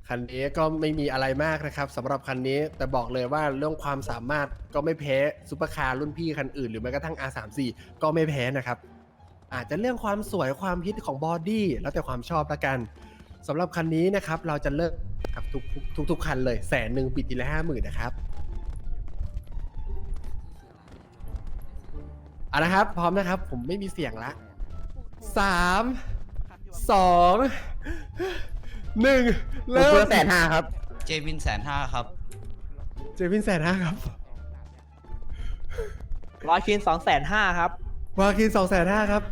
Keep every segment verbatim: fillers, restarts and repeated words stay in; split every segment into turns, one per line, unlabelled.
คันนี้ก็ไม่มีอะไรมากนะครับสำหรับคันนี้แต่บอกเลยว่าเรื่องความสามารถก็ไม่แพ้ซุปเปอร์คาร์รุ่นพี่คันอื่นหรือแม้กระทั่ง อาร์ สามสิบสี่ ก็ไม่แพ้นะครับอาจจะเรื่องความสวยความฮิตของบอดี้แล้วแต่ความชอบละกันสำหรับคันนี้นะครับเราจะเลิกกับทุกทุกทุกคันเลยแสนหนึ่งปิดทีละห้าหมื่นนะครับเอานะครับพร้อมนะครับผมไม่มีเสียงละสามสองหนึ่งเริ่มแสนห้าครับ
เจวินแสนห้าครับ
เจวินแสนห้าครับ
ร้อยคินสองแสนห้าครับ
วาคินสองแสนห้าครับ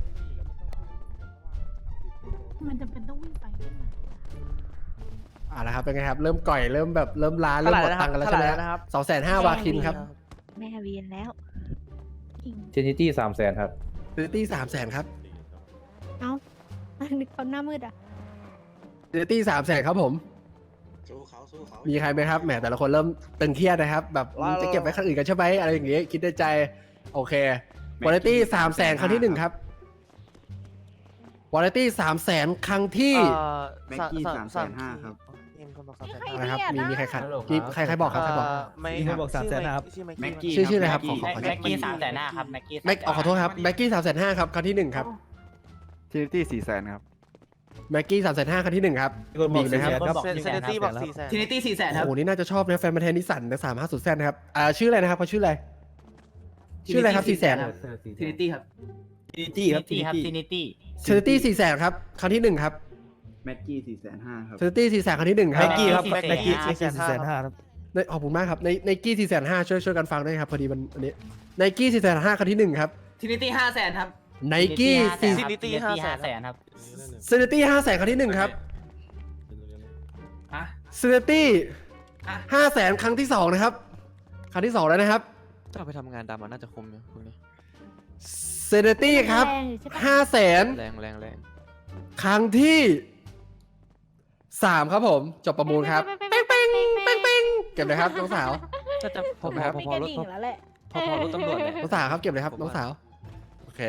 มันจะเป็นต้องวิ่งไปวิ่งมา
อ่าละครับเป็นไงครับเริ่มก่อยเริ่มแบบเริ่มล้าเริ่มหมดตังค์กันแล้วใช่ไหมครับสองแสนห้าวาคินครับ
แม่เวียนแล้วอิง
เจนิตี้สามแสนครับ
ซิตี้สามแสนครับ
เอ้าอันนี้เขาหน้ามืดอ่ะ
ซิตี้สามแสนครับผมมีใครไหมครับแหมแต่ละคนเริ่มตึงเครียดนะครับแบบจะเก็บไว้คันอื่นกันใช่ไหมอะไรอย่างเงี้ยคิดในใจโอเควอลเลตี้สามแสนครั้งที่หนึ่งครับวอลเลตี้สามแสนครั้งที่
แม็กกี้สามแสนห้าครับ
นะครับมีมีใครขัดมีใครใครบอกครับใครบอก
มีใครบอกสามแสนครับ
แม็กกี้
ชื่อชื่ออะไรครับขอขอ
แม็กกี้สามแสนห้าครับแม็กกี้
แม็กขอโทษครับแม็กกี้สามแสนห้าครับครั้งที่หนึ่งครับ
ทีนิตี้สี่แสนครับ
แม็กกี้สามแสนห้าครั้งที่หนึ่งครับมีไหมครับ
เซนตี้บอกสี่แสน
ทินิตี้สี่แสนครับ
โอ้โหนี่น่าจะชอบนะแฟนมาแทนนิสสันนะสามห้าสุดแซนนะครับอ่าชื่ออะไรนะครับเขาชื่ออะไรชื่ออะไรครับสี่แสน
ทินิตี้ครับ
ทินิตี้ครับ
ทินิตี้ครับทินิตี้
เซอร์ตี้สี่แสนครับครั้งที่หนึ่งครับ
แม็กกี้สี่แสนห้าครับ
เซอร์ตี้สี่แสนครั้งที่หนึ่งครับ
แม็กกี้ครับ
แม็
แม็
ก
ก
กี้
กี้สี่แสนห้าครับ
ในขอบคุณมากครับในในกี้สี่แสนห้าช่วยช่วยกันฟังด้วยครับพอดีมันอันนี้ในกี้สี่แสนห้าครั้งที่หนึ่งครับ
ทินิตี้ห้าแสนครับ
ไนกี้สี่
ทินิตี้ห้าแสนครับ
เซอร์ตี้ห้าแสนครั้งที่หนึ่งครับ
อ่ะ
เซอร์ตี้
อ่ะ
ห้าแสนครั้งที่สองนะครับครั้งที่สองแล้วนะครับ
ถ้าเอาไปทำงานดำมันน่าจะคุ้มนะพวกนี้
เซอร์ตี้ครับ
แงอยู่ใช่ปะ
ห้าแสน
แรงแรงแรง
ครั้งที่สามครับผมจบประมูลครับเป้งเป้งเป้งเป้งเก็บเลยครับน้องสาว
น่าจะพอ
ครับ
พอ
มี
พอก
ระ
รถ
ดิ่งแล้วแหละ
พอพอรถตำรวจเนี่ย
น้องสาวครับเก็บเลยครับน้องสาวโอเค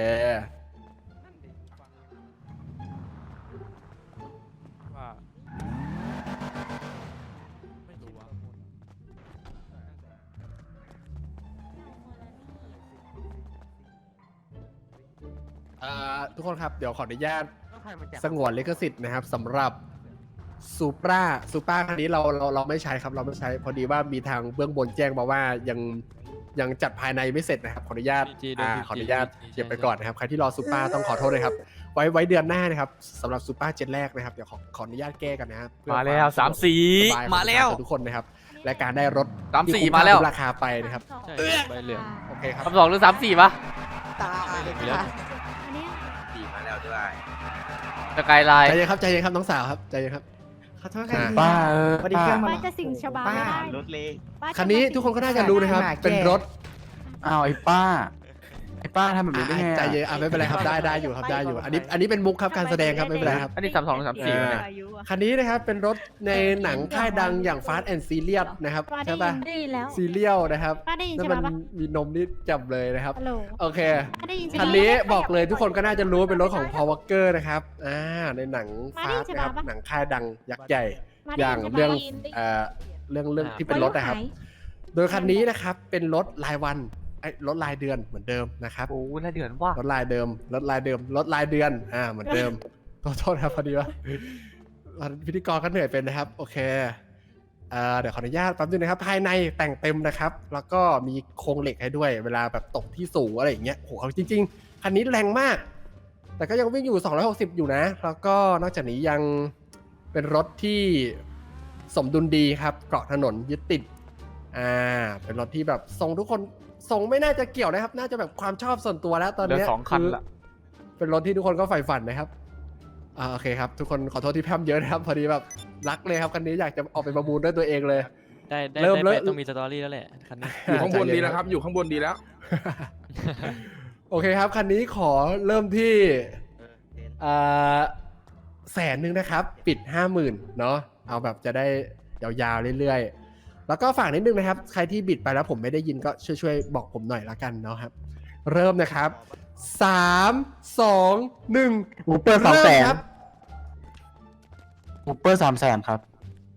เอ่อทุกคนครับเดี๋ยวขออนุญาตสงวนลิขสิทธิ์นะครับสำหรับซูปราซูปราคันนี้เราเราเราไม่ใช้ครับเราไม่ใช้พอดีว่ามีทางเบื้องบนแจ้งมาว่ายังยังจัดภายในไม่เสร็จนะครับขออนุญาตอ่าขออนุญาตเก็บไปก่อนนะครับใครที่รอซูปราต้องขอโทษเลยครับไว้ไว้เดือนหน้านะครับสำหรับซูปราเจ็ตแรกนะครับเดี๋ยวขอขออนุญาตแก้กันนะครับเพื่อ
มาแล้ว
ค
สามสี่
สบยของ
มาแล้ว
ทุกคนนะครับและการได้รถ
สามสี่
ที่คุ้
มาแล้ว
คุ้ราคาไปนะครับ
ใช่ใบเหลือง
โอเคครับ
คำสองหรือสามสี่ปะ
ตาย
อันเนี้ย
สี่มาแล้วด้วย
สกายไลน์
ใจเย็นครับใจเย็นครับน้องสาวครับใจเย็นครับขอโทษครับ
ป้าเออ
พอดีเครื่องมัน
ป้าจะสิงชบาไม่ได้
รถเล็ก
ป้าจะ
คันนี้ทุกคนก็น่าจะรู้นะครับ เป็นรถ
อ้าวไอ้ป้า ไอ้ป้าทำแบบนี้ได้ไง
ใจเย็นอ่ะไม่เป็นไรครับได้ได้อยู่ครับได้อยู่ อันนี้อันนี้เป็นมุกครับการแสดงครับไม่เป็นไรครับ
อันนี้สามสองหรือสามสี่
เออ
เนี่ย
อายุอะ
คันนี้นะครับเป็นรถในหนังค่ายดังอย่าง Fast and Furious นะครับ
ป้าได้
ใช่
ยิ
ปะ
นได้ยินแล้ว
ซีเรียลนะครับ
ป้าได้ยิน
นั่
ใช่
น
ไหม
มัน
ปะ
มีนมนี่จับเลยนะครับ
ฮัลโหล
โอเค
ป้าได้ยินใช่ไหม
คันนี้บอกเลยทุกคนก็น่าจะรู้ว่าเป็นรถของ Paul Walker นะครับอ่าในหนัง
มาได้
Fast
ใช่
นะครับ
ปะ
หนังค่ายดังยักษ์ใหญ่
ป้า
อ
ได้
ย่าง
ยินใช่ปะ
เรื่อง
ได้ยินได้ยิน
เอ่อเรื่องเรื่องที่เป็นรถนะครับ โดยคันนี้นะครับเป็นรถรายวันไอ้รถรายเดือนเหมือนเดิมนะครับ
โอ้ยน่าเดือดว่ะ
รถลายเดิมรถลายเดิมรถลายเดือนอ่าเหมือนเดิม ขอโทษครับพอดีว่าพิธีกรก็เหนื่อยเป็นนะครับโอเคเอ่อเดี๋ยวขออนุญาตแป๊บนึงนะครับภายในแต่งเต็มนะครับ แล้วก็มีโครงเหล็กให้ด้วย เวลาแบบตกที่สูงอะไรอย่างเงี้ยโหจริงๆคันนี้แรงมาก แต่ก็ยังวิ่งอยู่สองร้อยหกสิบอยู่นะ แล้วก็นอกจากนี้ยังเป็นรถที่สมดุลดีครับเกาะถนนยึดติดอ่าเป็นรถที่แบบทรงทุกคนทรงไม่น่าจะเกี่ยวนะครับ น่าจะแบบความชอบส่วนตัวแล้วตอน
เหลือ
เนี้ย
สองคัน
คือ
ละ
เป็นรถที่ทุกคนก็ใฝ่ฝันนะครับอ่าโอเคครับทุกคนขอโทษที่แพร่มเยอะนะครับพอดีแบบรักเลยครับคันนี้อยากจะออกไปประมูลด้วยตัวเองเลย
ได้ได้
เริ่ม
ได้
เริ่
ไป
ม
ต้องมีสตอรี่แล้วแหละคันนี้
อยู่ข้างบนดีแล้วครับ อยู่ข้างบนดีแล้ว
โอเคครับคันนี้ขอเริ่มที่อ่าแสนหนึ่งนะครับ ปิดห้าหมื่นเนาะเอาแบบจะได้ยาวๆเรื่อยๆแล้วก็ฝากนิดนึงนะครับ ใครที่บิดไปแล้วผมไม่ได้ยินก็ช่วยๆบอกผมหน่อยละกันเนาะครับ เริ่มนะครับสามสองหนึ่ง
อูเปอร์สามแสน
ครับ
อูเปอร์สามแสนครับ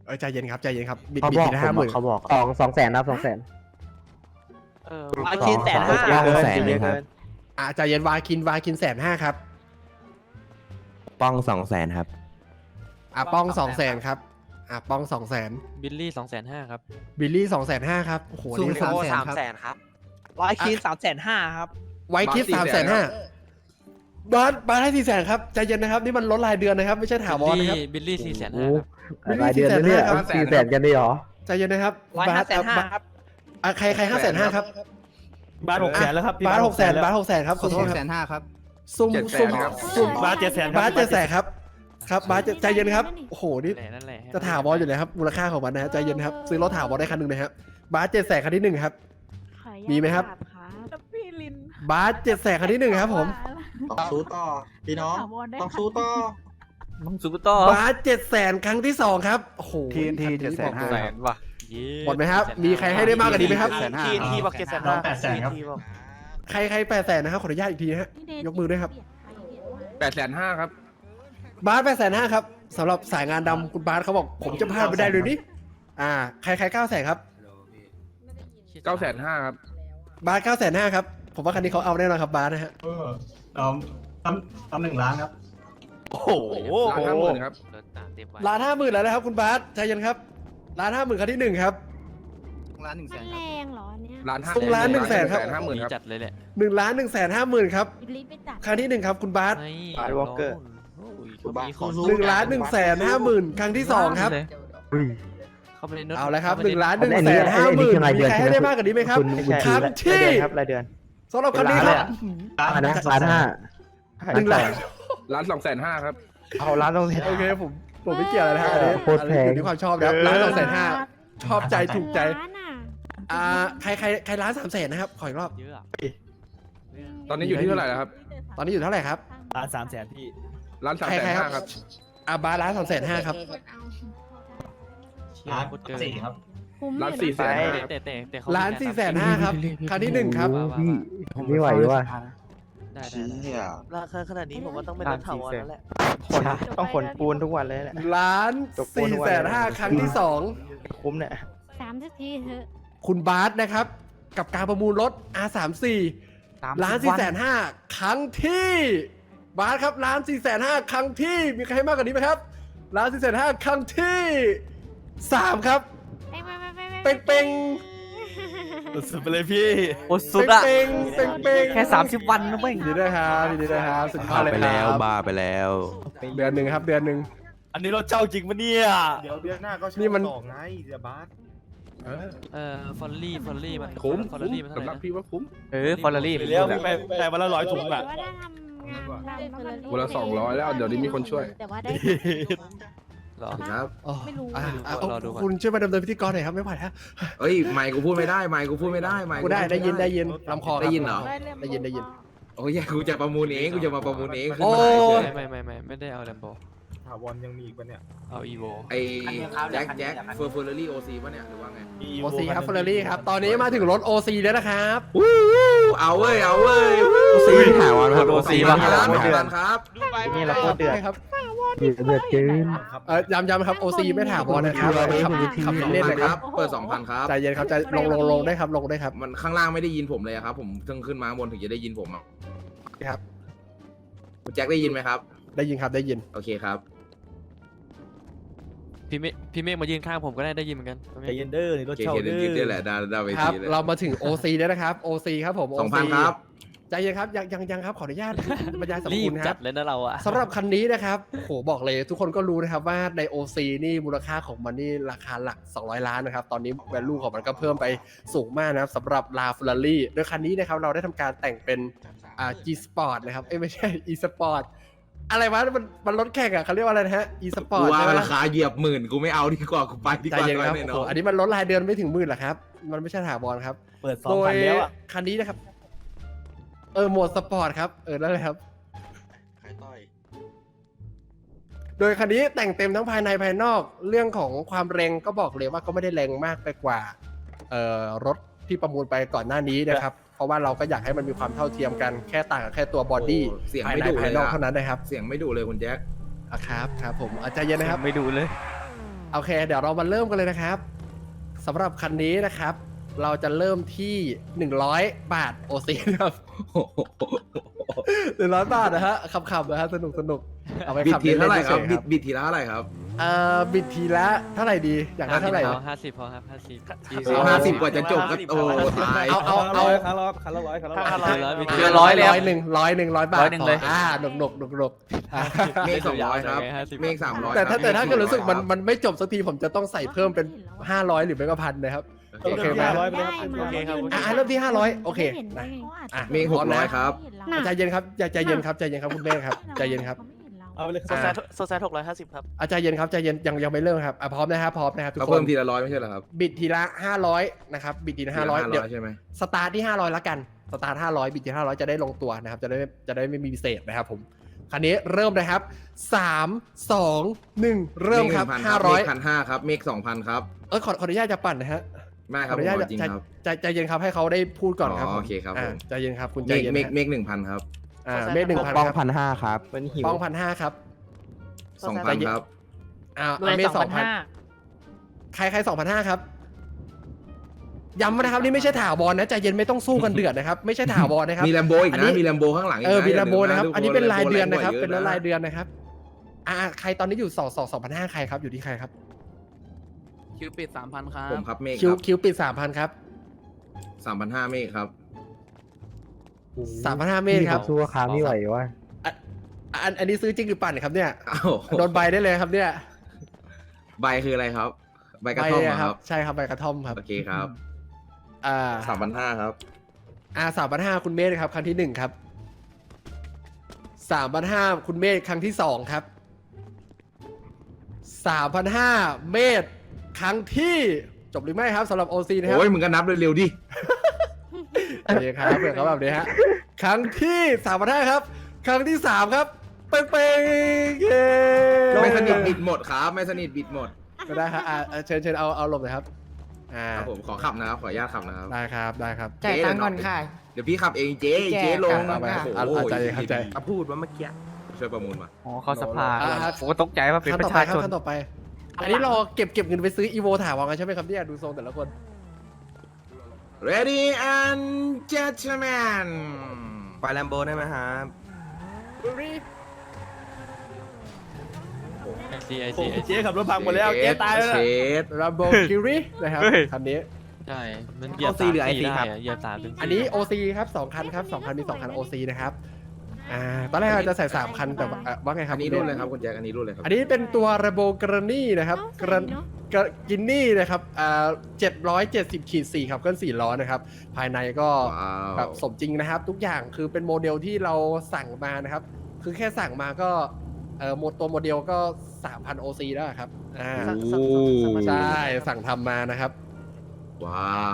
เออใจเย็นครับใจเย็นครับบิด
เขา
บิด
บอก
ทีละ
ผ
ห้าม หมื่น
อะเขาบอกสองสองแสนนะสองแสน
เออ
วาคินแสนห้า
สอง
เกิน
แสน
เยอะ
ครับ
เกิน
อ่าใจเย็นวาคินวาคินแสนห้าครับ
ป้องสองแสนครับ
อ่าป้องสองแสนครับอ่าป้องสองแสน
บิลลี่สองแสนห้าครับ
บิลลี่สองแสนห้าครับโอ้โห
ซูม
นี่
สาม
สาม
แส
แส
น
น
ครับ
ร้อยคินสามแสนห้าครับ
ไวคิดสามแสนห้าบาสบาสให้สี่แสนครับใจเย็นนะครับนี่มันลดรายเดือนนะครับไม่ใช่ถาวร
บิล
นะครับ
ลี่บิลลี่สี่แสนห้าครับ
บิลลี่สี่แสนห้าครับ
สี่แสนกันได้หรอ
ใจเย็นนะครับ
ร้อย
บา
ห้า
ส
แสนห้าครับ
อ่ะใครใครห้าแสนห้าครับ
บาทหกแสนแล้วครับ
บาสหกแสนบาสหกแสนครับขอโทษ
หก
ค
แส
รับ
นห้าครับ
ซุ่ม
เจ็ดแส
ซุ่
น
ม
ครับ
ซุ่ม
บาทเจ็ดแสน
บาสเจ็ดแสนครับครับบาสเจ็ดใจเย็นครับโอ้โหนี่
นั่นแหละนั่นแหละ
จะถาวรอยู่เลยครับมูลค่าของมันนะฮะใจเย็นครับซื้อรถถาวรได้คันหนึ่งนะครับบาสเจ็ดแสนคันที่หนึ่งครับ
ขออนุญาต
มีไหมครับ
ครับพี่ลิน
บาสเจ็ดแสนคันที่หนึ่งครับผม
ต้องสู้ต่อ พี่น้อง
ถาวรได้
ต้องสู้ต่อ
ต้องซูเปอร์ต่อบ
าสเจ็ดแสนครั้งที่สองครับโอ้โห
ทีนที
คั
เจ็ดแสนห้า
บอก
แส
เลย
นว่ะเย้
หมดไหมครับมีใครให้ได้มากกว่านี้ไหมครับ
แสนห้า
ทีนทีบอกเจ็ดแสน
น้อ
ห้าง
แปดแสนครับ
ทีบอก
ใครใครแปดแสนนะครับขออนุญาตอีกทีนะฮะ ยกมือด้วยครับ
แปดแสนห้าครับ
บาสแปดแสนห้าครับสำหรับสายงานดำคุณบาสเขาบอกผมจะพลาดไม่ได้เลยนี่อ่าใครใครเก้าแสนครับ
เก้าแสนห้าครับ
บาสเก้าแสนห้าครับผมว่าคันนี้เขาเอาแน่นอนครับบาสนะฮะ
เออน้องตำตำหนึ่งล้านครับ
โอ้โห
ล้านห้าหมื่นครับ
ล้านห้าหมื่นแล้วนะครับคุณบาสใจเย็นครับล้านห้าหมื่นคันที่หนึ่งครับ
ล้านหนึ่งแส
มัน
น
แรงเหรอเนี่ย
ล้านห้า
ส่งล้านหนึ่งแสนครับ
ห้าหมื่นครับ
จัดเลยแหละ
หนึ่งล้านหนึ่งแสนห้าหมื่นครับ
บิลลี่ไปจัด
ครั้งที่หนึ่งครับคุณบาส
ไอ้วอลเกอร์เขามีของ
หนึ่งล้านหนึ่งแสนห้าหมื่นครั้งที่สองครับ
เขาไปในโน้ต
เอาละครับ
ข้
ห
ไป
นึ่ง
ใ
ล้านหนึ่งแสนห้าหมื่นมีใครให้ได้มากกว่านี้ไหมครับ
ไม่ใช่
ครั้งที่
รายเดือนครับรายเดือน
สำหรับคันนี้ครับ
ล้านนะล้านห้า
หนึ่งล้าน
ล้านสองแสนห้าครับ
เอาล้านต้องเสีย
โอเคผมผมไม่เกี่ยวอะไรนะครับอันนี้
โคตรแพง
อยู่ที่ความชอบนะครับล้านสองแสนห้าชอบใจถูกใจ
ล้านอ่ะ
อ่าใครใครใครล้านสามแสนนะครับขออีกรอบ
เยอะอะ
ตอนนี้อยู่ที่เท่าไหร่แล้วครับ
ตอนนี้อยู่เท่าไหร่ครับ
ล้านสามแสนพี่
ล้านสาม
ใคร
แสน
ใครค
ห้า
รับ
ครับ
อ่าบาร์ล้านสองแสนห้าครับ
เชี่ย
ล้าน
โคตรเกิน
สี่ครับ
คุ้ม
ล้าน
อยู่
สี่
นะ
แสนห้า
แต่แต่แต่เขา
ล้านสี่แสนห้าครับครั้งที่หนึ่งครับ
ว่าว่า
ไม่ไหวว่ะ
ได้ได้ได้
ราคาขนาดนี้ผมว่าต้องเป็นรถถาวรแล้วแหละ
ขน
ต้องขนปูนทุกวันเลยแหละ
ล้านสี่แสนห้าครั้งที่สอง
คุ้มเนี่ย
สามสักทีเถอะ
คุณบาสนะครับ กับการประมูลรถ อาร์ สามสิบสี่ ล้านสี่แสนห้าครั้งที่บาสครับล้านสี่แสนห้าครั้งที่มีใครให้มากกว่านี้ไหมครับล้านสี่แสนห้าครั้งที่สามครับ
เป้งเป้งเป้งเป้ง
เป้งเป้ง
สุดไปเลยพี่
โอ้สุดอะ
เป้งเป้งเป้ง
แค่สามสิบวันนะเว้ย
ยินดีด้วยครับยินดีด้วยครับสุดยอดเลยครับ
บ้าไปแล้ว
เดือนหนึ่งครับเดือนหนึ่ง
อันนี้รถเจ้าจริงปะเนี่ย
เดี๋ยวเดือนหน้าก็
นี่มัน
ต่อไงเดี๋ยวบาส
เออ
เออฟอลลี่ฟอลลี่มัน
คุ้ม
ฟอล
คุ้ม
ลี่มันเท่าไห
สำห
ร่
รับ
นะ
พี่ว่าคุ้ม
เออฟอร์รารี่
ไปเลี้ยวไปไปวันละร้อยถุงอ่ะ
แต่ว่าได้ทำงานดำแล้วมัน
วันละสองร้อยแล้วเดี๋ยวนี้มีคนช่วย
แต่ว่าได้
เหรอ
ครับ
อ๋อ
ไม่รู้
อ่ะอ่ะ
รอดูก่อน
คุณช่วยมาดำเนินพิธีกรหน่อยครับไม่ไหวฮะ
เอ้ยไมค์กูพูดไม่ได้ไมค์กูพูดไม่ได้ไมค์
กูได้ได้ยินได้ยินลำคอครับ
ได้ยินเหรอ
ได้ยินได้ยิน
โอ้ยกูจะประมูลเองกูจะมาประมูลเองขึ้น
โอ้
มาเฉย
ไม่ไม่ไม่ไม่ไม่ได้เอาแลมโบ
ถาวรยังมีอีกปะเนี่ย
เอาอีโว
ไอ้แจ็คแจ็คเฟอร์เฟอร์รี่โอซีป่ะเนี่ยหรือว่าไง
โอซีครับเฟอร์รารี่ครับ ตอนนี้มาถึงรถ โอ ซี แล้วนะครับ
เอาเว้ยเอาเว้ย
ซีถาวรครับ
โอซี
ล้า
ป่ะ
นล้านล้านครับ
นี่เราโคตรเดือด
ใช่ครับ
เดือดเกิน
เออย้ำย้ำครับ โอ ซี ไม่ถามบอลนะครับเราขับขับ
สอง
เล่น
พั
เล
น
ย
ค
ค
รั
รั
บบ เปิดสองพันครับ
ใจเย็นครับใจลงลงลงได้ครับลงได้ครับ
มันข้างล่างไม่ได้ยินผมเลยอะครับผมเพิ่งขึ้นมาข้างบนถึงจะได้ยินผมอ่ะ
ครับ
คุณแจ็คได้ยินไหมครับ
ได้ยินครับได้ยิน
โอเคครับ
พี่เมฆพี่เมฆมายืนข้างผมก็ได้ได้ยินเหมือนกัน
ใจเย็นเด้อนี่ร
โอ
ถ
เค
เช่า
โอเค
เด้
เดี๋ยวยืดได้
อ
แหละดาวดาวเว
ครับ
ทีเลย
เรามาถึง โอ ซี แล้วนะครับ โอ ซี ครับผม
สองพัน
โอ
ครับ
ใจเย็นครับยังยังยังครับขออนุญาตบรรยายสรรพ
รี
คุ
บ
ณค
จั
รั
ด
บ
เลยนะเราอะ
สำหรับคันนี้นะครับโหบอกเลยทุกคนก็รู้นะครับว่าใน โอ ซี นี่มูลค่าของมันนี่ราคาหลักสองร้อยล้านนะครับ ตอนนี้ value ของมันก็เพิ่มไปสูงมากนะครับสำหรับลาฟ e ร r รี่โดยคันนี้นะครับเราได้ทำการแต่งเป็นอ่า G Sport นะครับเอ้ยไม่ใช่ E Sport อะไรวะมันมันรถแข่งอ่ะเขาเรียกว่าอะไรนะฮะ E
กู
Sport
ว่า
ใช่ไหม
ราคาเหยียบหมื่นกูไม่เอาดีกว่ากูไปดี
ใจ
กว่า
เย็นครับ
แน่น
โอ้
อ
โห
น
อันนี้มันลดรายเดือนไม่ถึงหมื่นหรอครับ มันไม่ใช่ถาวรครับ
เปิดสอง
โด
พั
ย
นแล้วอ่ะ
คันนี้นะครับ เออโหมดสปอร์ตครับเออนั่นแหละครับ
ขายต้อย
โดยคันนี้แต่งเต็มทั้งภายในภายนอกเรื่องของความแรงก็บอกเลยว่าก็ไม่ได้แรงมากไปกว่าเอ่อรถที่ประมูลไปก่อนหน้านี้นะครับ เพราะว่าเราก็อยากให้มันมีความเท่าเทียมกันแค่ต่างกันแค่ตัวบอดี้
โอ้เสียง
ภาย
ไม่
ใน
ดุเล
ภาย
ย
นอก
อะ
เท่านั้นนะครับ
เสียงไม่ดุเลยคุณแจ็ค
อ่ะครับครับผมอ่ะใจเย็นนะครับ
ไม่ดูเลย
โอเค เดี๋ยวเรามาเริ่มกันเลยนะครับสำหรับคันนี้นะครับ เราจะเริ่มที่หนึ่งร้อยบาทโอซีนะครับหนึ่งร้อยบาทนะฮะขับๆนะฮะสนุกสนุกเอาไป
บิด
ขับ
ทีเท่าไหร่ครับ
ล่นๆ
บิด
เฉยๆ
บิดทีละเท่าไหร่ครับ
เอ่อบิดทีละเท่าไหร่ดีอยากได้เท่าไหร่
พอห้าสิบพอครับห้าสิบ
โอ้ห้าสิบกว่าจะจบก็โอ้ตาย
เอาเอาเอา
คันละร้อยคันละร้อยคันละร้อย
ห้าร้อยบิด
เดือนร้อยเลย
ร้อยหนึ่งร้อยหนึ่งร้อยบาท
ร้อยหนึ่งเลย
อ่าหนุกหนุกหนุกหนุกอ่า
เมฆสองร้อยครับเมฆสามร้อย
แต่ถ้าแต่ถ้าเกิดรู้สึกมัน
ครับ
มันไม่จบสักทีผมจะต้องใส่เพิ่มเป็นห้าร้อยหรือไม่ก็พันนะครับ โอเคไหม
ร้อยไป
ได้
เลย
มา
โอเคครับ
อ่ะเริ่มที่ห้าร้อยโอเค
ไม่ห็นได้ไง
อ่ะ
เมฆหกร้อยครับ
น่ะ
ใจเย็นครับใจใจเย็นครับใจเย็นครับคุณแม่ครับใจเย็นครับ
เอาไปเลย
โซแซด
โซแซดหกร้อยห้าสิบครับ
อาใจเย็นครับใจเย็นยังยังไม่เริ่มครับอ่ะพร้อมนะครับพร้อมนะครับทุก
เขา
ค
เพิ่
น
มทีละร้อยไม่ใช่เหรอครับ
บิดทีละห้าร้อยนะครับบิดทีละห้าร้อย
ทีละ
เดี๋ยว
ใช่ไหม
สตาร์ทที่ห้าร้อยละกันสตาร์ทห้าร้อยบิดที่ห้าร้อยจะได้ลงตัวนะครับจะได้จะได้ไม่มีพิเศษนะครับผมคันนี้เริ่มนะครับสามสองหนึ่งเริ่มครับห้าร้อย
เมฆพันห้าครับเมฆสองพันครับ
เออขอขออนุญาตจะปั่นนะฮะ
ไม่ค
ข
รั
อบ อ
ผ
นุ
ม
ญาต
ขอจริง
ใจ
ครับ
ใจใจเย็นครับให้เขาได้พูดก่อนครับ
อ๋อ
ผม
โอเคครับผม
อ่าใจเย็นครับคุณใจ
เมฆ
เย็น
เมฆ
นะ
เมฆหนึ่งพันครับ
อ่าเมฆหนึ่งพัน
ป้อง
ครับ
พันห้าครับเป็นหิว
ป้องพันห้าครับ
สองพันครับ
อ่าเมฆสองพันใครใครสองพันห้าครับย้ำนะครับนี่ไม่ใช่ถาวรนะใจเย็นไม่ต้องสู้กันเดือดนะครับไม่ใช่ถาวรนะครับ
มีแลมโบอีก
อันนี้
นะมีแลมโบข้างหลังอีก
เออ
นะ
มีลาโบนะครับ
ทุก
อันนี้เป็นรายเดือน
แลมโบ
นะครับ
แงก
เป็น
ว่ยอะ
รายเดือนนะครับอ่าใครตอนนี้อยู่สองสองสองพันห้าใครครับอยู่ที่ใครครับ
คิวปิดสามพันครับ
ผมครับเมฆ
คิว
ครับ
คิวปิดสามพันครับ
สามพันห้าเมฆครับ
สามพันห้าเมตรครับ
สู้ค้าไม่ไหววะ
อ่ะอันอันนี้ซื้อจริงหรือปั่นครับเนี่ย
อ้าว
โดนใบได้เลยครับเนี่ย
ใบคืออะไรครับ ใบกระท่อมเหรอ
ใบ
ครับ
ใช่ครับใบกระท่อมครับ
โอเคครับ
อ่า
สามพันห้าครับ
อ่าสามพันห้าคุณเมธครับครั้งที่หนึ่งครับสามพันห้าคุณเมธครั้งที่สองครับสามพันห้าเมธครั้งที่จบหรือไม่ครับสำหรับโอซีนะครับ
โอ้ยมึงก็นับเร็วๆดิ
โอเคครับเผื่อเขาแบบนี้ฮะครั้งที่สามพันห้าครับ ครั้งที่สามครับเป้งเป้งเย้
ไม่สนิทบิดหมดครับ ไม่สนิทบิดหมด
ก็ได้ครับอ่าอ่าเชิญเชิญเอาเอาหลบหน่อยครับอ่า
ครับผมขอขับนะครับ ขออนุญาตขับนะครับ
ได้ครับได้ครับ
จ่ายตังค์ก่อนค่ะ เดี๋ยวพี่ขับเองเจ๊เจ๊ลง
เอาไป
โอ้โห
เอาเอาใจเข้าใจ
อ่ะพูดว่าเมื่อกี้ช่วยประมูลมา
อ๋อเขาสภา
อ่า
ผมก็ตกใจว่าเป็น
ขั้น
ป
ต่อ
ระ
ไป
ชา
ครับ
ชน
ขั้นต่อไป อันนี้เราเก็บเก็บเงินไปซื้ออีโวถาวรกันใช่ไหมครับเนี่ยดูทรงแต่ละคน
Ready and gentlemen
ไปแลมโบได้ไหมครับ
ไอซีไอ
โอ้
ซี
โห
ไอซี
เจ๊ขับรถพังหมดแล้วเจ๊ตายแล้ว
เช
นะ
ด
รัมโบคิรินะครับคันนี้
ใช่มันเหยียบ
เอา C หรือ
สาม
ไอ ซี
สี่ได้
ครับ
อะเหยียบสามถึงสี่
อันนี้ โอ ซี ครับสองคันครับสองคันมีสองคัน โอ ซี นะครับอ่าตอนแรกเราจะใส่สามคันแต่ว่าอ่ะว่าไงครั
อั
บ
นนี้รุ่นเลยครับคุณแจ็คอันนี้รุ่นเลยครับ
อันนี้เป็นตัวระโบกรนี่นะครับกรนกรกินนี่นะครับอ่าเจ็ดร้อยเจ็ดสิบขีดสี่ครับเครื่องสี่ล้อนะครับภายในก็
ว้าว
แบบสมจริงนะครับ ทุกอย่างคือเป็นโมเดลที่เราสั่งมานะครับ คือแค่สั่งมาก็เอ่อโมตัวโมเดลก็ สามพัน โอ ซี แล้วครับอ่า
โอ้
ใช่สั่งทำมานะครับ
ว้าว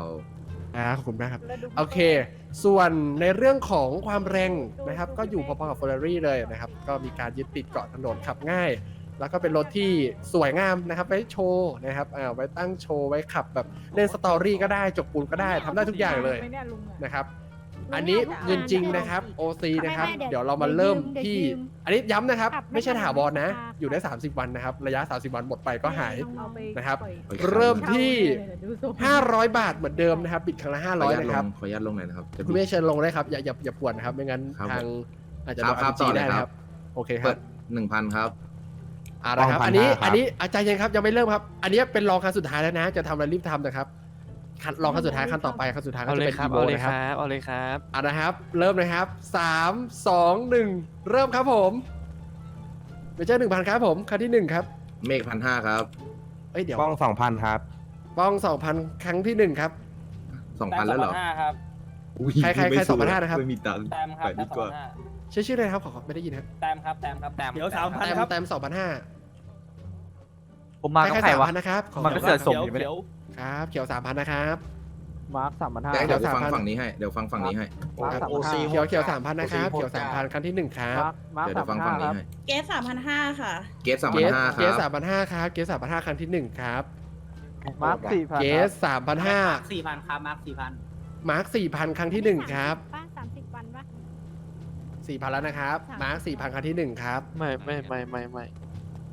อ่าขอบคุณมากครับโอเค ส่วนในเรื่องของความแรงนะครับ ก็อยู่พอๆกับ Ferrari เลยนะครับ ก็มีการยึดติดเกาะถนนขับง่าย แล้วก็เป็นรถที่สวยงามนะครับ ไว้โชว์นะครับอ่าไว้ตั้งโชว์ไว้ขับแบบเล่นสตอรี่ก็ได้จกปูนก็ได้ทำได้ทุกอย่างเลยนะครับ อันนี้เงินจริงนะครับ โอ ซี นะครับ เดี๋ยวเรามาเริ่มที่ อันนี้ย้ำนะครับ ไม่ใช่ถาวรนะ อยู่ได้ สามสิบ วันนะครับ ระยะ สามสิบ วันหมดไปก็หาย นะครับ เริ่มที่ ห้าร้อย บาทเหมือนเดิมนะครับ บิดครั้งละ ห้า
ขอ
ร้
อ
อย
นุญาตล
นะครับ
งขออนุญาตลงหน่อยนะครับจะ
คุณเมฆเชิญลงได้ครับ อย่าอย่าอย่าปวดนะครับ ไม่งั้น
ครับ
ทางอาจจะ
ค
โด
รับ
น
ครั
อา
บ
จี
ต่อเลย
ได้นะ
ค
ค
รั
รับ บ โอเคค
เปิ
รับ
ดหนึ่งพันครับ
อ่านะครับ
ป้องพัน
อันนี้
ห้าครับ
อันนี้อาจารย์เย็นครับ ยังไม่เริ่มครับ อันนี้เป็นรองคันสุดท้ายแล้วนะ จะทำอะไรรีบทำนะครับคันรองคันสุดท้ายคันต่อไปคันสุดท้ายก็
เอา
จะ
เลย
เป็น
ครับ
อีโว
เอาเลย
นะ
ค
ครับ
รับเอาเลยครับ
อ่านะครับ เริ่มนะครับสามสองหนึ่งเริ่มครับผมเมเจอร์หนึ่งพันครับผมคันที่หนึ่งครับ
เมฆพันห้าครับ
เอ้ยเดี๋ยว
ป้องสองพันครับ
ป้องสองพันครั้งที่หนึ่งครับ
สองพันแล้วเหรอ
ห้าครับ
อุ๊ย
ใครใคร
ไม่
ใคร
สู้
สองพันห้านะครับ
ไม่มีตังค์
แต้มครับ
ไป
แต้
ดี
ม
ก
สอ
ว่า
งห้า
ชื่อชื่ออะไรครับขอไม่ได้ยินครับ
แต้มครับแต้มครับแต้ม
เดี๋ยวสามพัน
แต้ม
ครับ
แต้มสองพันห้า
ผมมากับ
ใคร
ใคร
สาม
วะ
พันนะครับขอ
มันก็เสือ ส่งอยู่ไหม
เขียว
ครับเขียวสามพันนะครับ
มาร์คสามพันห้า
แต่เดี๋ยว
สาม
ฟัง
พัน
ฝั่งนี้ให้ เดี๋ยวฟังฝั่งนี้ให้
มาร์คสามพันห้า
เขียวเขียวสามพันนะครับเขียวสามพันครั้งที่หนึ่งครับ
มาร์ค
เดี๋ยว
สา
เดี๋ยว
ม พันห้า
ฟังฝั่ง
ครับ
นี้ให้
เกสสามพันห้าค่ะ
เกสสาม
เก
พัน
ส
ห้าค
เก
รั
ส
บ
สามพันห้าครับเกสสามพันห้าครั้งที่หนึ่งครับ
มาร์คสี่พัน
เกสสามพันห้า
สี่พันครับมาร์คสี่พัน
มาร์คสี่พันครั้งที่หนึ่งครับ
ป้าสามสิบวันปะ
สี่พันแล้วนะครับมาร์คสี่พันครั้งที่หนึ่งครับ
ไม่ไม่ไม่ไม่ไม่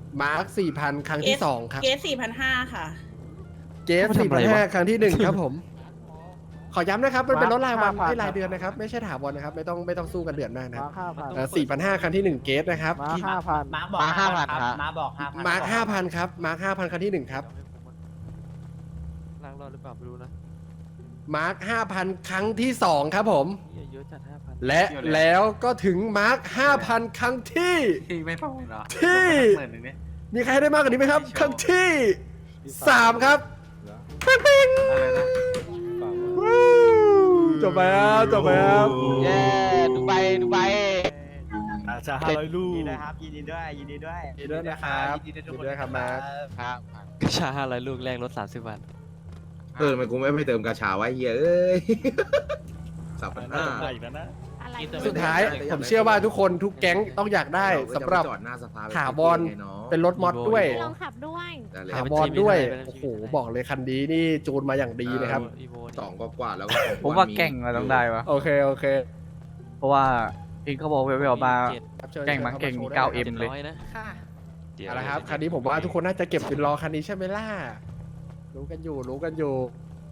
มาร์คสี่พันครั้งที่สองครับ
เกสสี่พันห้าค่ะ
เจฟสี่พันห้าครั้งที่หนึ่งครับผม ขอย้ำนะครับมันเป็นรถรายวันไม่รายเดือนนะครับไม่ใช่ถาวรนะครับไม่ต้องไม่ต้องสู้กันเดือนมากนะครับ
มาร์คห้าพัน
สี่พันห้าครั้งที่หนึ่งเกตนะครับ
มาร์คห้าพัน
มาร์คบอกห้าพันครับมาร์คบอกห้าพัน
มาร์คห้าพันครับมาร์คห้าพันครั้งที่หนึ่งครับ
ล้างรอดหรือเปล่าไม่รู้นะ
มาร์คห้าพันครั้งที่สองครับผม
เหี้ยเยอะจัดห้าพัน
และแล้วก็ถึงมาร์คห้าพันครั้งที่
ไม่พอเหรอ
ที่
หมื่นหนึ่งเนี่ย
มีใครได้มากกว่านี้ไหมครับ ครั้งที่สามครับปิ๊งปิ๊งวู้จบไปแล้วจบไปแล้ว
เย้ดูใบดูใบ
อาชาห้าร้อยลูก
ยินดีด้วยครับยินดีด้วยยินดีด้วย
ยินดีด้วยนะครับยินดีด้วยครับมาร์ค
ครับ
กระชาห้าร้อยลูกแรกลดสามสิบบาท
เออทำไมันกูไม่ไปเติมกาชาไว้เฮียเอ้ยสามพัน
น่า
ห้า
จะได้อีกแล้วนะ
อะไร
สุดท้ายผมเชื่อว่าทุกคนทุกแก๊งต้องอยากได้สำหรับ
จอดหน้าสภา
ถาวรเป็นรถมอดด้วย
ลองขับด้วย
ได้เลย
ถาวรด้วยโอ้โหบอกเลยคันนี้นี่จูนมาอย่างดีนะครับ
อีโว
สองกว่าๆแล้วก็ของ
ผมว่าแก่งเราต้องได้วะ
โอเคโอเค
เพราะว่าพิงเขาบอกเวลๆมา
ครับชิญ
แก่งมาเก่ง
ชิญ
เก้า
ข้
เอ็ม
ม
เลย
ร้อยนะ
ค่ะ
เอาละครับคันนี้ผมว่าทุกคนน่าจะเก็บเป็นรอคันนี้ใช่ไหมล่ะรู้กันอยู่รู้กันอยู่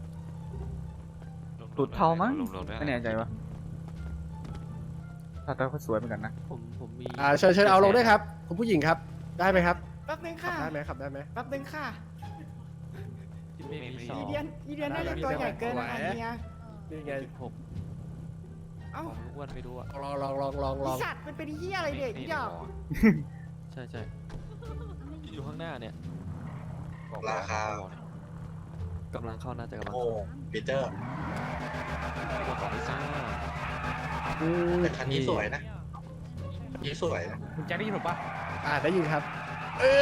ตูดเทามั้งไม่แน่ใจวะถ้าตาเขาสวยเหมือนกันนะ
ผมผมมี
อ่าเชิญเชิญเอาลงด้วยครับคุณผู้หญิงครับได้ไหมครับ
แป๊บนึง
ขับ
ค่ะ
ได้ไหมขับได้ไหม
แป๊บนึงค่ะ
ไม่มีสอง
อีเดียนอีเดียนน่าจะตัวใหญ่เกินนะคะเฮีย
นี่ไง
หก
เอ้า
ของอ้วนไปดูอ่ะ
ลองลองลองลองล
อี
อง
สัตว์มันเป็นเฮียอะไรเด็กอีดอก
ใช่ใช่อยู่ข้างหน้าเนี่ย
ราคา
กำลังเข้าน่าจะกำลัง
โอ้ปีเตอร์
ของลิซ่า
แต่คันนี้สวยนะคันนี้สวยนะ
คุณแจ็คได้ยินผมปะ
อ่าได้ยินครับ เออ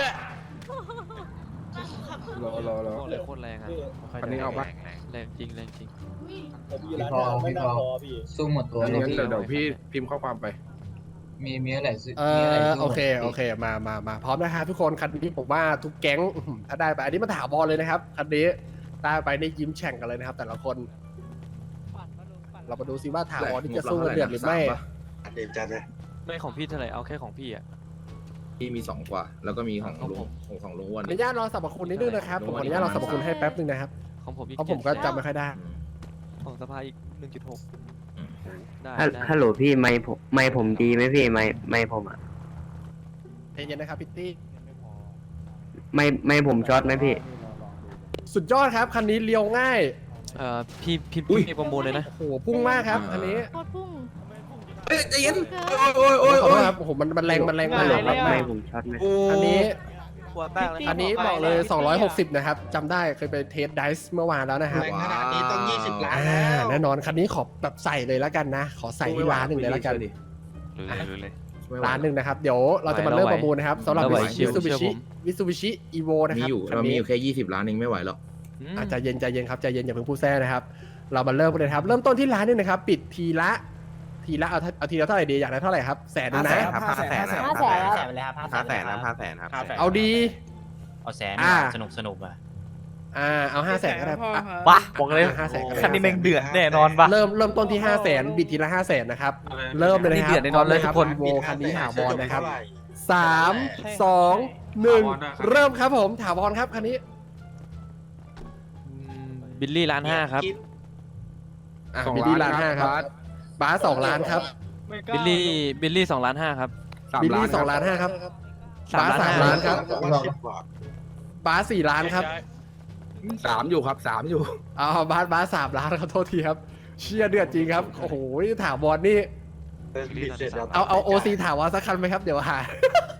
รอรอรอ
โคตรเลยโคตรแรงอ่ะ
คันนี้เอาปะ
แรงจริงแรงจริง
ผมอยู่ร้านเราไม่น่าพอพี่
สู้หมดตัว
งั้นเดี๋ยวเดี๋ยวพี่พิมพ์ข้อความไป
มีมีอะไรซื้อ
เอ
มีอะไร
อ
สู้หมด
โอเคโอเคมามามาพร้อมนะครับทุกคนคันนี้ผมว่าทุกแก๊งอื้อหือถ้าได้ไปอันนี้มาถาวรเลยนะครับคันนี้ได้ไปนี่ยิ้มแฉ่งกันเลยนะครับ แต่ละคน เรามาดูซิว่าถาวรที่จะสู้กันเดือดหรือไม่
เด็ดจัดเลย
ไม่ของพี่เท่าไหร่เอาแค่ของพี่อ่ะ
ที่มีสองกว่า แล้วก็มีของ
ของ
ลุง
ผม
ของของลุงอ้ว
ขอน อนุญาตรอสรรพคุณนิดนึงนะครับผมขออนุญาตรอสรรพคุณให้แป๊บนึงนะครับ
ของผมอีก
เพราะผมก็จำไม่ค่อยได้
ของสภาอีกหนึ่งจุดหกได้
ฮัล
ได้
ฮัลโหลพี่ไม่ผมไม่ผมดีไหมพี่ไม่ไม่ผมอ่ะ
ใจเย็นนะครับพิตตี้
ไม่ไม่ผมช็อตไหมพี่
สุดยอดครับคันนี้เลี้ยวง่าย
เอ่อพี่พี่พี่ประมูลเลยนะ
โอ้โหพุ่งมากครับคันนี้
โคตรพุ่ง
เอ้ยใจเย็น
เกิ
โอ้ยโอ้ย
ขอ
โอ้
โทษ
ย
ครับโอ้โหมันมันแรงมันแรงมาก
ฮัลโหล
ค
ค
รั
รั
บบ
ไม่ผมช็อตไหม
อันนี้
หัวแตกเลย
อันนี้บอกเลยสองร้อยหกสิบนะครับจำได้เคยไปเทสไดส์เมื่อวานแล้วนะครับ
แรงขนาดนี้ต้องยี่สิบล้าน
อ่า
แล้ว
แน่นอนคันนี้ขอแบบใส่เลยแล้วกันนะ ขอใส่ที่ร้านหนึ่งเลยแล้วกัน
รู้เลยรู้เลย
ร้านหนึ่งนะครับเดี๋ยวเราจะมาเริ่มประมูลนะครับสำหรับ
เราไหว
วิซูบิ
เชื่
ชิ
อผม
วิซูบิชิอีโวนะค
มี
รับ
อยู่
คัน
เรามี
นี้
อยู่แค่ยี่สิบล้านเองไม่ไหวหรอก
อืม
อาจจะเย็นใจเย็นครับใจเย็นอย่าเพิ่งพูดแซ่นะครับ เรามาเริ่มกันเลยครับ เริ่มต้นที่ร้านหนึงนะครับ ปิดทีละ ทีละเอาเอาทีละเท่าไหร่ดีอยากได้เท่าไหร่ครับแสนหนึงนะ
ห้าแสน
ห้าแสน
แสนไปเลยครับห้าแสนนะห้าแสนครับ
เอาดี
เอาแสน
อ่า
สนุกสนุกอ่ะ
อ่าเอาห้าแสนก็ได้อ่ะ
วะบอกเลย
ห้าแสนก็ได้
คันนี้แม่งเดือดแน่นอนปะ
เริ่มเริ่มต้นที่ห้าแสนบิดทีละห้าแสนนะครับ เริ่มเลยนะครับ
นี่เดือดแน่นอนเลยทุกคน
โวคันนี้ถาวรนะครับสามสองหนึ่งเริ่มครับผมถาวรครับคันนี้
อืมบิลลี่ล้านห้าครับ
อ่ะบิลลี่ล้านห้าครับบาสสองล้านครับ
บิลลี่บิลลี่สองล้านห้าครับ
บิลลี่สองล้านห้าครับ
สามล้าน
สาม
ห้า
ล้านครับ
สิบกว่า
บาสสี่ล้านครับ
สามอยู่ครับสามอยู่
เอาบาสบาสสามล้านครับโทษทีครับเชียเดือดจริงครับโอ้โหถาวรนี่
บิดเสร็จแล้ว
เอาเอาโอซีถาวรสักคันไหมครับเดี๋ยวหา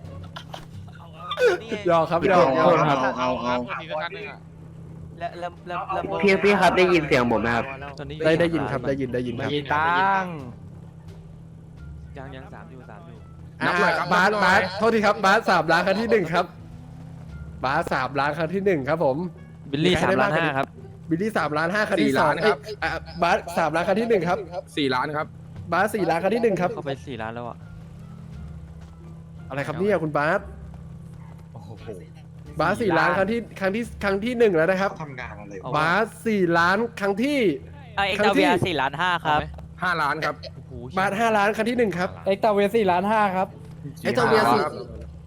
ยอกครับยอกยอกครับ
เอาเอา
แล้วแล้วแล้วแล้ว
พี่พี่ครับได้ยินเสียงผมไหมครับ
ตอนนี้
ได้ได้ยินครับได้ยินได้ยินครับ
มีตัง
ยังยังสามอยู่สามอยู่
อ่าบาสบาสโทษทีครับบาสสามล้านครั้งที่หนึ่งครับบาสสามล้านครั้งที่หนึ่งครับผม
บิลลี่
มีใคร
สาม
ได้
ล้าน
บ้าง
ห้าครับ
บิลลี่สามล้านห้าครั้งที่
สี่
สอ
ล้าง นครับ
เอ้ยอ่ะบาสสามล้านครั้งที่หนึ่งครับ
สี่ล้านครับ
บาสสี่ล้านครั้งที่หนึ่งครับ
เข้าไปสี่ล้านแล้วอ่ะ
อะไรครับเนี่ยคุณบาสบาสสี่ล้านครั้งที่ครั้งที่ครั้งที่หนึ่งแล้วนะครับ
ทำงานอะไร
เอา
บาสสี่ล้านครั้งที่
เอ็กซ์เวียสี่ล้านห้าครับ
ห้าล้านครับ
โอ้โห
บาสห้าล้านครั้งที่หนึ่งครับ
เอ็กตาเวสี่ล้านห้าครับ
ไอ้เจ้าเวียสี่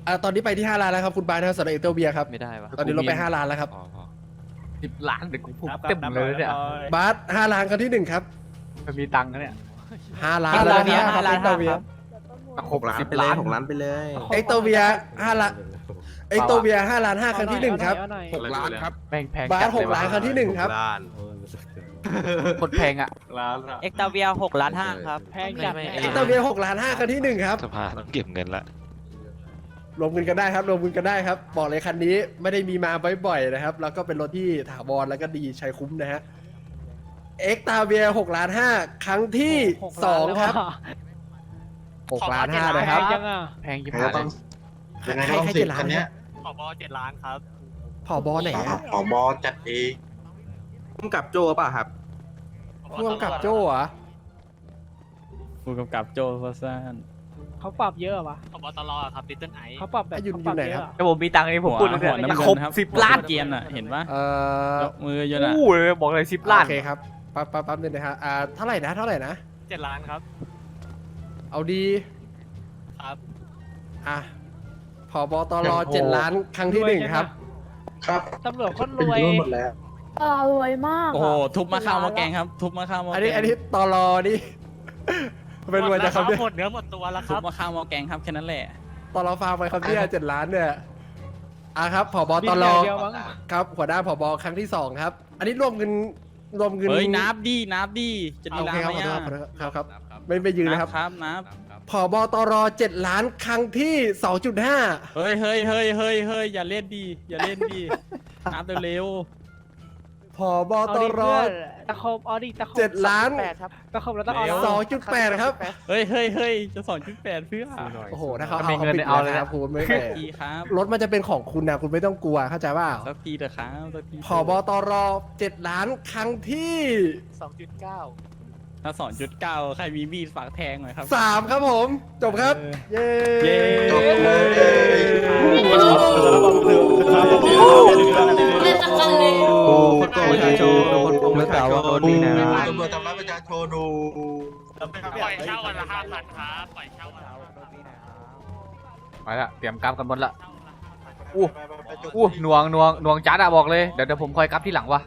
อ่าตอนนี้ไปที่ห้าล้านแล้วครับคุณบายนะครับสำหรับเอเตอร์เบียครับ
ไม่ได้วะ
ตอนนี้ลดไปห้าล้านแล้วครับ
พอพอ
สิบล้านเดี๋ยวกูพูด
ครับ
เต็มเลยเนี่ย
บาสห้าล้านครั้งที่หนึ่งครับ
มันมีตังค์นะเนี่ย
ห้าล้าน
เอ็ก
แล้ว
ตา
นะ
เวีย
ค
ห้า
รับ
ล้าน
เอเตอ
ห้า
ร์เบีย
ครับ
หกล้านไปเลยหกล้านไปเลย
เอเตอร์เบียห้าล้านเอเตอร์เบียห้าล้านห้าครั้งที่หนึ่งครับ
หกล้านครับ
แม่งแพง
บา
จั
ส
ด
ห
เล
ก
ย
ล้าน
ว่ะ
ครั้งที่หนึ่งครับ
ล้าน
คนแพงอ่ะ
ล้านละ
เอ็กตาเวียหกล้านห้าครับ
แพงจัด
ไม่ไม่
เอเตอร์เบียหกล้านห้าครั้งที่หนึ่งครับ
สภาต้องเก็บเงินละ
รวมเงินกันได้ครับรวมเงินกันได้ครับ บอกเลยคันนี้ไม่ได้มีมาบ่อยๆนะครับ แล้วก็เป็นรถที่ถาวรแล้วก็ดีใช้คุ้มนะฮะเอ็กตาเบียหกล้านห้าครั้งที่สองครับหกล้านห้านะครับ
ยังอ่ะ
แพงยิ่ง
เดี๋ยว
หาย
ต้อง
ใคร
ยังไง
ใคร
ก็ต้อง
ใคร
สิ
เจ็
บ
ดล้า
คั
น
น
เนี่
เนี้
ย
ย
ผบเจ็ดล้านครับ
ผอบอไหนอะ
ผอบอจัดเอง
พุ่มกับโจป่ะครับ
ร่วมกับโจ้เหรอ
ผู้กำกับโจฟาซาน
เขาปรับเยอะวะ
ผบตรครับลิตเติ้ลไอ
เขาปรับแบบ
อ่ะอยู่
เขาปรับ
อยู่ไหน
เย
ครั
อะ
บ
อะ
ถ้าผมมีตังค์เองผมพูดเลยเนี่ย
หัวน้ำเงิน
ครบ
ครับ
สิบล้าน
เกียนอ่ะ เห็นปะ
เอ่อย
กมืออยู่น่ะ
อู้เลยบอกเลยสิบล้าน
โอเคครับปั๊บปั๊บปั๊บนึงนะฮะอ่าเท่าไหร่นะเท่าไหร่นะ
เจ็ดล้านครับ
เอาดี
ครับ
อ่ะผอบตรเจ็ดล้านครั้งที่หนึ่งครับ
ครับ
ตำรวจคนร
เป็น
วย
รุ่นหมดแล้ว
เออรวยมาก
โอ้โห ทุบมาข้าวมาแกงครับ ทุบมาข้าวมา
อัน
แก
นี้
ง
อันนี้ตรนี่ เป็นรวยจะครับเนี่ย
หมดเนื้อหมดตัวแล้วค
ทุ
รั
บบ มาข้าวมาแกงครับแค่นั้นแหละ
ตรฟาร์มไปครับเนี่ยเจ็ดล้านเนี่ยอ่ะครับผอบตร
เดียวมั้ง
ครับหัวหน้าผบครั้งที่สองครับ อันนี้รวมเงินรวมเงิน
เฮ้ย นับดีนับดีจะดี
โอ
ร้า
เคน ครับ
ไหม
ขอ
อ่ะ
โทษครับครับครับไม่ไม่ยืนนะครับ
ครับนับ
ผอบตรเจ็ดล้านครั้งที่สองจุดห้า
เฮ้ยเฮ้ยเฮ้ยเฮ้ยเฮ้ยอย่าเล่นดีอย่าเล่นดี นับเร็ว
ผอบ
เอา
ต
ดิ
ร
เพื่อนตะคมเอาดิตะคม
เจ็ดล้าน
แปดครับตะคมแล้วต้องเอาแล้ว
สองจุดแปดครับ
ๆเฮ้ยเฮ้ยเฮ้ยจะสองจุดแปดเพื่อ
โอ้โหถ้าเขา
ถ้า
เอา
มี
เขา
เงิน
ปิด
เอา
เล
เลย ย
นะ
นะ
คุณไม่
สั
แป
ก
ล
ทีครับ
รถมันจะเป็นของคุณนะคุณไม่ต้องกลัวเข้าใจเปล่า
สักทีเถอะครับสักที
ผอบตรเจ็ดล้านครั้งที่
สองจุดเก้า
ถ้าสองจุดเก้าใครมีมีดฝากแทงหน่อยครับ
สามครับผม จบครับ เย้
เย้
จบเลย
เล่นตะกันเลย
โอ้คนโกงประชาชนคนโกงประชาชนนี่นะ
ตำรวจทำร้ายประชาชนดู
ปล่อยเช่าวันละห้าพันครับปล่อยเช่าวันละ
ไปละเตรียมกราฟกันหมดละ อู้ อู้หน่วงหน่วงหน่วงจัดอะบอกเลย เดี๋ยวเดี๋ยวผมคอยกราฟที่หลังวะ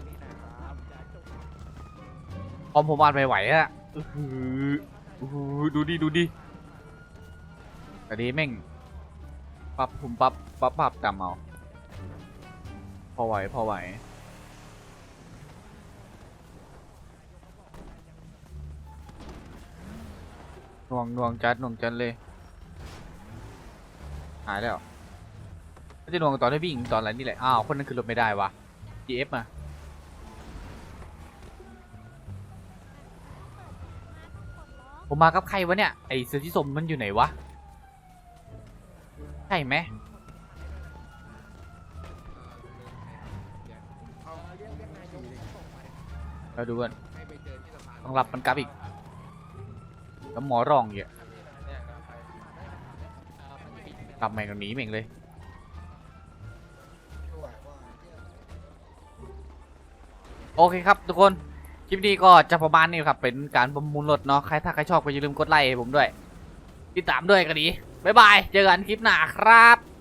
พอผมวาดไม่ไหวอะอื้อหืออื้อหือดูดิดูดิแต่ดีแม่งปรับผมปรับปรับปรับตามเอาพอไหวพอไหวหน่วงหน่วงจัดหน่วงจัดเลยหายแล้วไม่จะหน่วงตอนที่วิ่งตอนอะไรนี่แหละอ้าวคนนั้นคือรถไม่ได้วะ จี เอฟ มาผมมากับใครวะเนี่ยไอเสือที่สมมันอยู่ไหนวะใช่ไหมเราดูกันต้องรับมันกลับอีกแล้วหมอร้องเยอะกลับแม่งหนีแม่งเลยโอเคครับทุกคนคลิปนี้ก็จะประมาณนี้ครับเป็นการประมูลรถเนาะใครถ้าใครชอบก็อย่าลืมกดไลค์ให้ผมด้วยติดตามด้วยกันดีบ๊ายบายเจอกันคลิปหน้าครับ